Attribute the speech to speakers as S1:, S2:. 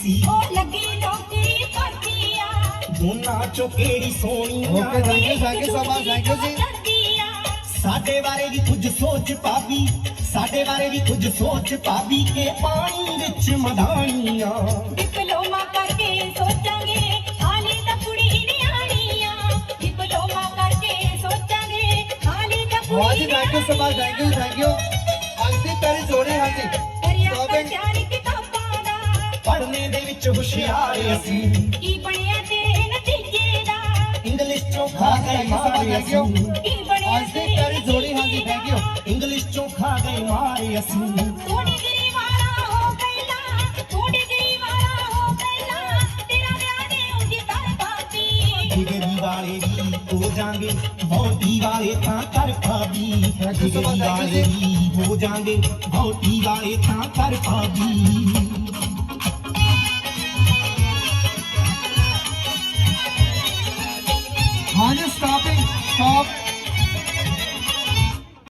S1: ਉਹ ਲੱਗੀ ਨੌਕਰੀ ਭਰਤੀ ਆ
S2: ਦੋਨਾਂ ਚੋਂ ਕਿਹੜੀ ਸੋਹਣੀ
S3: okay thank you so much thank you ਜੀ
S2: ਸਾਡੇ ਬਾਰੇ ਵੀ ਕੁਝ ਸੋਚ ਭਾਬੀ ਸਾਡੇ ਬਾਰੇ ਵੀ ਕੁਝ ਸੋਚ ਭਾਬੀ ਕੇ ਪਾਣੀ ਵਿੱਚ ਮਧਾਣੀਆਂ
S1: ਡਿਪਲੋਮਾ ਕਰਕੇ ਸੋਚਾਂਗੇ ਹਾਲੇ ਤਾਂ ਕੁੜੀ ਨਿਆਣੀ ਆ ਡਿਪਲੋਮਾ ਕਰਕੇ ਸੋਚਾਂਗੇ ਹਾਲੇ ਤਾਂ
S3: ਬਹੁਤ
S1: ਕੁੜੀ
S3: ਹੀ thank you so much thank you ਅੱਜ ਦੀ ਪਹਿਲੀ ਜੋੜੀ ਹਾਂਜੀ
S1: ਕਰਿਆ
S3: ਸ਼ਾਪਿੰਗ
S1: ਪ੍ਰਚਾਰ ਕਿਤਾਬਾਂ ਦਾ
S2: ਪੜ੍ਹਨੇ ਦੇ ਵਿੱਚ ਹੁਸ਼ਿਆਰ ਅਸੀਂ
S1: ਕੀ ਬਣਿਆ ਤੇਰੇ ਨਤੀਜੇ ਦਾ
S2: ਇੰਗਲਿਸ਼ ਚੋਂ ਖਾ ਗਏ ਮਾਰੇ ਅਸੀਂ
S1: ਕੀ ਬਣਿਆ
S3: ਅੱਜ ਦੀ ਪਹਿਲੀ ਜੋੜੀ ਹਾਂਜੀ ਥੈਂਕ ਯੂ
S2: ਇੰਗਲਿਸ਼ ਚੋਂ ਖਾ ਗਏ ਮਾਰੇ ਅਸੀਂ
S1: ਤੂੰ ਡਿਗਰੀ ਵਾਲਾ ਹੋ ਪਹਿਲਾਂ ਤੂੰ ਡਿਗਰੀ ਵਾਲਾ ਹੋ ਪਹਿਲਾਂ ਤੇਰਾ ਵਿਆਹ ਨੇ ਉਂਝ ਕਰ ਪਾਤੀ
S2: ਡਿਗਰੀ ਵਾਲੇ ਵੀ ਹੋ ਜਾਣਗੇ ਬਹੁਤੀ ਵਾਲੇ ਤਾਂ ਕਰ ਭਾਬੀ ਡਿਗਰੀ ਵਾਲੇ ਵੀ ਹੋ ਜਾਣਗੇ ਬਹੁਤੀ ਵਾਲੇ ਤਾਂ ਕਰ ਭਾਬੀ
S3: ਹਾਂਜੀ ਸਟਾਪਿੰਗ ਸਟਾਪ